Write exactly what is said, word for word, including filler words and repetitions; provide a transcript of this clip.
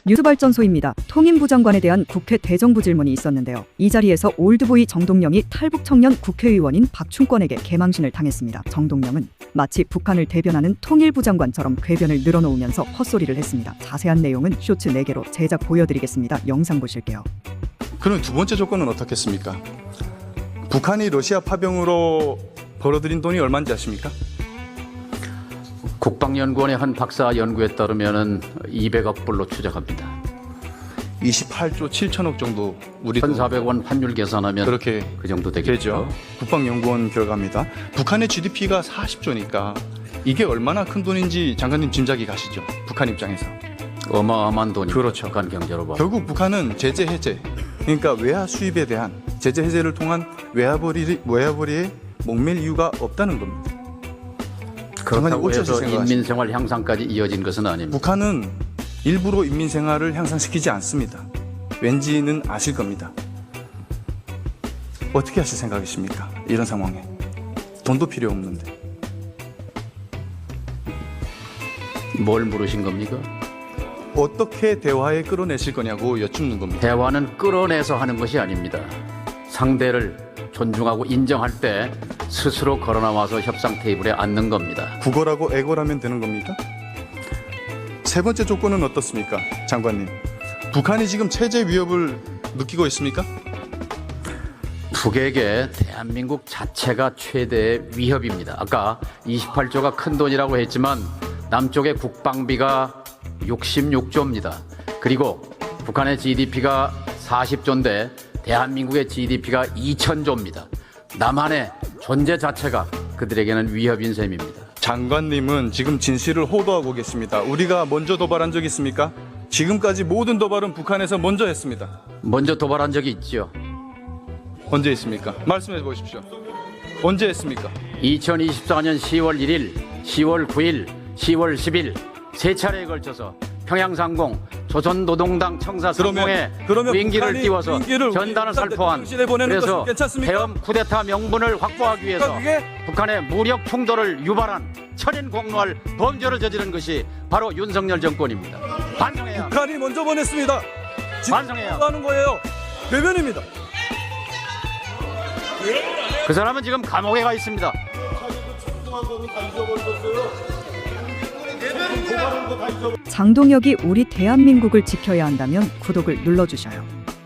뉴스발전소입니다. 통일부 장관에 대한 국회 대정부 질문이 있었는데요. 이 자리에서 올드보이 정동영이 탈북 청년 국회의원인 박충권에게 개망신을 당했습니다. 정동영은 마치 북한을 대변하는 통일부 장관처럼 궤변을 늘어놓으면서 헛소리를 했습니다. 자세한 내용은 쇼츠 네 개로 제작 보여드리겠습니다. 영상 보실게요. 그럼 두 번째 조건은 어떻겠습니까? 북한이 러시아 파병으로 벌어들인 돈이 얼마인지 아십니까? 국방연구원의 한 박사 연구에 따르면 이백억 불로 추정합니다. 이십팔조 칠천억 정도 우리도 천사백 원 환율 계산하면 그렇게 그 정도 되겠죠. 되죠. 국방연구원 결과입니다. 북한의 지디피가 사십조니까 이게 얼마나 큰 돈인지 장관님 짐작이 가시죠? 북한 입장에서. 어마어마한 돈이 그렇죠. 북한 경제로 봐. 결국 북한은 제재 해제, 그러니까 외화 수입에 대한 제재 해제를 통한 외화벌이, 외화벌이에 목맬 이유가 없다는 겁니다. 그렇다고 해서 생각하십니까? 인민생활 향상까지 이어진 것은 아닙니다. 북한은 일부러 인민생활을 향상시키지 않습니다. 왠지는 아실 겁니다. 어떻게 하실 생각이십니까? 이런 상황에 돈도 필요 없는데. 뭘 물으신 겁니까? 어떻게 대화에 끌어내실 거냐고 여쭙는 겁니다. 대화는 끌어내서 하는 것이 아닙니다. 상대를 존중하고 인정할 때 스스로 걸어나와서 협상 테이블에 앉는 겁니다. 국어라고 애고라면 되는 겁니까? 세 번째 조건은 어떻습니까? 장관님, 북한이 지금 체제 위협을 느끼고 있습니까? 북에게 대한민국 자체가 최대의 위협입니다. 아까 이십팔조가 큰 돈이라고 했지만 남쪽의 국방비가 육십육조입니다. 그리고 북한의 지디피가 사십조인데 대한민국의 지디피가 이천조입니다. 남한의 존재 자체가 그들에게는 위협인 셈입니다. 장관님은 지금 진실을 호도하고 계십니다. 우리가 먼저 도발한 적 있습니까? 지금까지 모든 도발은 북한에서 먼저 했습니다. 먼저 도발한 적이 있죠. 언제 했습니까? 말씀해 보십시오. 언제 했습니까? 이천이십사년 시월 일일, 시월 구일, 시월 십일 세 차례에 걸쳐서 평양상공 조선노동당 청사 상공에 무인기를 띄워서 전단을 살포한, 그래서 대엄 쿠데타 명분을 확보하기 위해서 북한의 무력 충돌을 유발한 천인공노할 범죄를 저지른 것이 바로 윤석열 정권입니다. 반성해야 합니다. 북한이 먼저 보냈습니다. 반성해야 하는 거예요. 외면입니다. 그 사람은 지금 감옥에 가 있습니다. 장동혁이 우리 대한민국을 지켜야 한다면 구독을 눌러주셔요.